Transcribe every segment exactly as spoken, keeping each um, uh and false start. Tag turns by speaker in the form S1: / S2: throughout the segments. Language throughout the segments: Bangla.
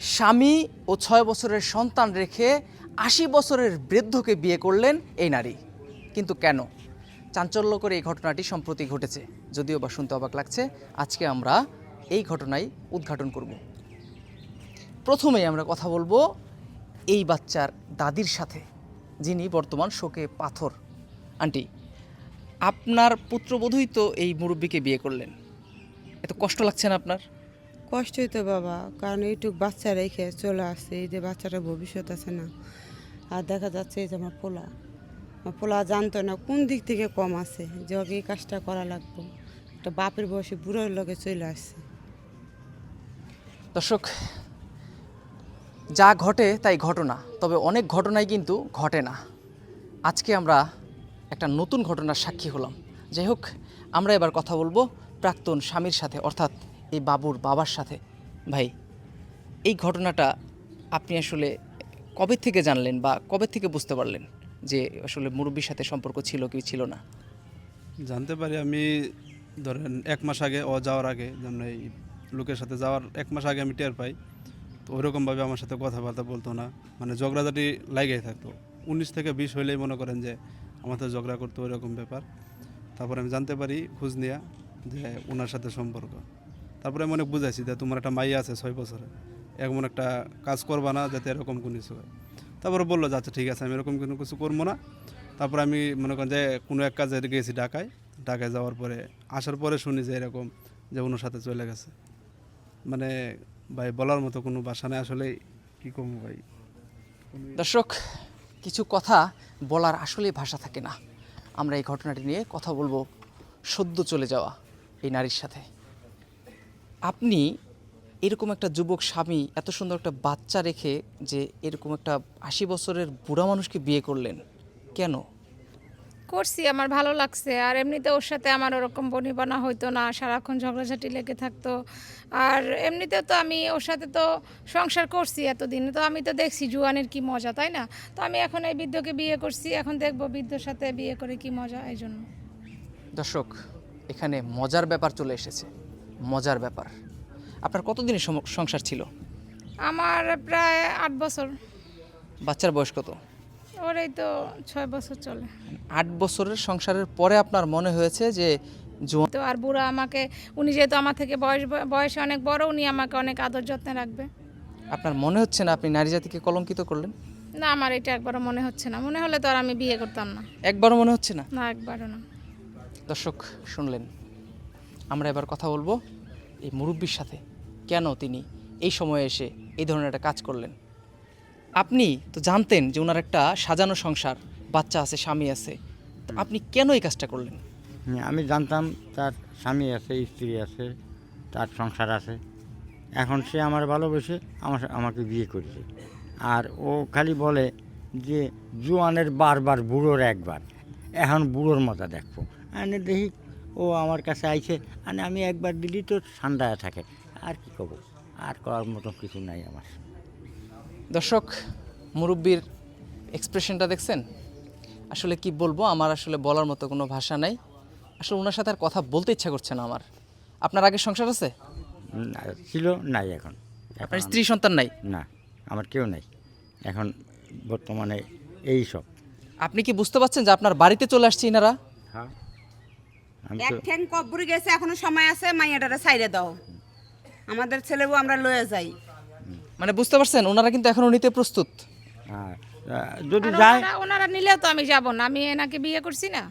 S1: স্বামী ও ছয় বছরের সন্তান রেখে আশি বছরের বৃদ্ধকে বিয়ে করলেন এই নারী। কিন্তু কেন? চাঞ্চল্যকর এই ঘটনাটি সম্প্রতি ঘটেছে, যদিও বা শুনতে অবাক লাগছে। আজকে আমরা এই ঘটনাই উদ্ঘাটন করব। প্রথমেই আমরা কথা বলবো এই বাচ্চার দাদির সাথে, যিনি বর্তমান শোকে পাথর। আন্টি, আপনার পুত্রবধূই তো এই মুরব্বীকে বিয়ে করলেন, এত কষ্ট লাগছে না আপনার?
S2: কষ্টই তো বাবা, কারণ এইটুক বাচ্চা রেখে চলে আসছে, এই যে বাচ্চাটার ভবিষ্যৎ আছে না। আর দেখা যাচ্ছে এই যে আমার পোলা আমার পোলা জানতো না কোন দিক থেকে কম আছে যে ওকে এই কাজটা করা লাগবে। একটা বাপের বয়সে বুড়োর লোকে চলে আসছে।
S1: দর্শক, যা ঘটে তাই ঘটনা, তবে অনেক ঘটনাই কিন্তু ঘটে না। আজকে আমরা একটা নতুন ঘটনার সাক্ষী হলাম। যাই হোক, আমরা এবার কথা বলবো প্রাক্তন স্বামীর সাথে, অর্থাৎ এই বাবুর বাবার সাথে। ভাই, এই ঘটনাটা আপনি আসলে কবে থেকে জানলেন বা কবে থেকে বুঝতে পারলেন যে আসলে মুরব্বির সাথে সম্পর্ক ছিল কি ছিল না?
S3: জানতে পারি আমি ধরেন এক মাস আগে ও যাওয়ার আগে, যেমন এই লোকের সাথে যাওয়ার এক মাস আগে আমি টের পাই। তো ওইরকমভাবে আমার সাথে কথাবার্তা বলতো না, মানে ঝগড়াঝাটি লাগেই থাকতো। উনিশ থেকে বিশ হইলেই মনে করেন যে আমার সাথে ঝগড়া করতো, ওইরকম ব্যাপার। তারপরে আমি জানতে পারি খোঁজ নিয়ে যে ওনার সাথে সম্পর্ক। তারপরে আমি অনেক বুঝাইছি যে তোমার একটা মাইয়া আছে ছয় বছরে, এমন একটা কাজ করবা না যাতে এরকম কোনো কিছু হয়। তারপরে বললো যে আচ্ছা ঠিক আছে, আমি এরকম কোনো কিছু করবো না। তারপরে আমি মনে করেন যে কোনো এক কাজে গেছি ঢাকায়। ঢাকায় যাওয়ার পরে আসার পরে শুনি যে এরকম যে ওনার সাথে চলে গেছে। মানে ভাই বলার মতো কোনো ভাষা নেই আসলে, কী কম ভাই।
S1: দর্শক, কিছু কথা বলার আসলে ভাষা থাকে না। আমরা এই ঘটনাটি নিয়ে কথা বলবো সদ্য চলে যাওয়া এই নারীর সাথে। আপনি এরকম একটা যুবক স্বামী, এত সুন্দর একটা বাচ্চা রেখে যে এরকম একটা আশি বছরের বুড়া মানুষকে বিয়ে করলেন, কেন?
S4: করছি, আমার ভালো লাগছে। আর এমনিতে ওর সাথে আমার ওরকম বনিবনা হইতো না, সারাক্ষণ ঝগড়াঝাটি লেগে থাকতো। আর এমনিতেও তো আমি ওর সাথে তো সংসার করছি এতদিন, তো আমি তো দেখছি জুয়ানের কি মজা, তাই না? তো আমি এখন এই বৃদ্ধকে বিয়ে করছি, এখন দেখবো বৃদ্ধর সাথে বিয়ে করে কি মজা, এই জন্য।
S1: দর্শক, এখানে মজার ব্যাপার চলে এসেছে। মজার ব্যাপার, আপনার কতদিনের সম- সংসার ছিল?
S4: আমার প্রায় আট বছর।
S1: বাচ্চার বয়স কত?
S4: ওর এই তো ছয় বছর চলে।
S1: আট বছরের সংসারের পরে আপনার মনে হয়েছে যে জোয়ান।
S4: তো আর বুড়া আমাকে, উনি যেহেতু আমার থেকে বয়স বয়সে অনেক বড়, উনি আমাকে অনেক আদর যত্নে রাখবে।
S1: আপনার মনে হচ্ছে না আপনি নারী জাতিকে কলঙ্কিত করলেন?
S4: না, আমার এটা একবারও মনে হচ্ছে না। মনে হলে তো আর আমি বিয়ে করতাম না।
S1: একবারও মনে হচ্ছে না?
S4: না, একবারও না।
S1: দর্শক শুনলেন, আমরা এবার কথা বলবো এই মুরব্বির সাথে, কেন তিনি এই সময়ে এসে এই ধরনের একটা কাজ করলেন। আপনি তো জানতেন যে ওনার একটা সাজানো সংসার, বাচ্চা আছে, স্বামী আছে, তো আপনি কেন এই কাজটা করলেন?
S5: হুম, আমি জানতাম তার স্বামী আছে, স্ত্রী আছে, তার সংসার আছে। এখন সে আমার ভালোবেসে আমার আমাকে বিয়ে করেছে। আর ও খালি বলে যে জোয়ানের বারবার বুড়োর একবার, এখন বুড়োর মজা দেখবো। আনে দেখি ও আমার কাছে আইছে, মানে আমি একবার দিলি তো ঠান্ডায় থাকে। আর কি করবো, আর করার মতো কিছু নাই আমার।
S1: দর্শক, মুরব্বির এক্সপ্রেশনটা দেখছেন? আসলে কি বলবো, আমার আসলে বলার মতো কোনো ভাষা নাই। আসলে ওনার সাথে আর কথা বলতে ইচ্ছা করছে না আমার। আপনার আগে সংসার আছে?
S5: না, ছিল, নাই এখন। এখন
S1: আপনার স্ত্রী সন্তান নাই?
S5: না, আমার কেউ নাই এখন বর্তমানে। এই সব
S1: আপনি কি বুঝতে পারছেন যে আপনার বাড়িতে চলে আসছে ইনারা?
S5: হ্যাঁ, আমি
S2: এক
S5: তো
S2: ঠ্যাং কবরে গেছে, এখনো সময় আছে, মাইয়াটারে ছাইড়ে দাও, আমাদের ছেলেও আমরা লয়ে যাই।
S1: মানে বুঝতে পারছেন, ওনারা কিন্তু এখনো নিতে প্রস্তুত।
S5: হ্যাঁ, আহ, যদি
S4: আর
S5: যায়
S4: ওনারা ওনারা নিলেও তো আমি যাব না, আমি এনাকে বিয়ে করছি না।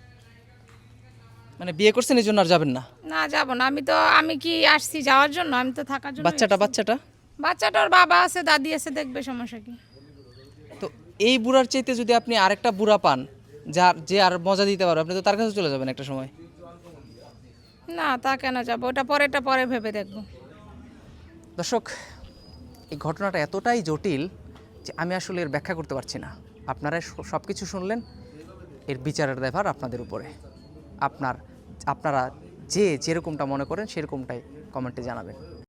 S1: মানে বিয়ে করছেন এই জন্য আর যাবেন না?
S4: না, যাব না। আমি তো, আমি কি আসছি যাওয়ার জন্য? আমি তো থাকার জন্য।
S1: বাচ্চাটা বাচ্চাটা
S4: বাচ্চাটার বাবা আছে, দাদি আছে, দেখবে, সমস্যা কি?
S1: তো এই বুড়ার চাইতে যদি আপনি আরেকটা বুড়া পান, যার যে আর মজা দিতে পারবে, আপনি তো তার কাছে চলে যাবেন একটা সময়।
S4: না, তা কেন যাব? ওটা পরেরটা পরে ভেবে দেখবো।
S1: দর্শক, এই ঘটনাটা এতটাই জটিল যে আমি আসলে এর ব্যাখ্যা করতে পারছি না। আপনারা সব কিছু শুনলেন, এর বিচারের দায়ভার আপনাদের উপরে। আপনার আপনারা যে যেরকমটা মনে করেন সেরকমটাই কমেন্টে জানাবেন।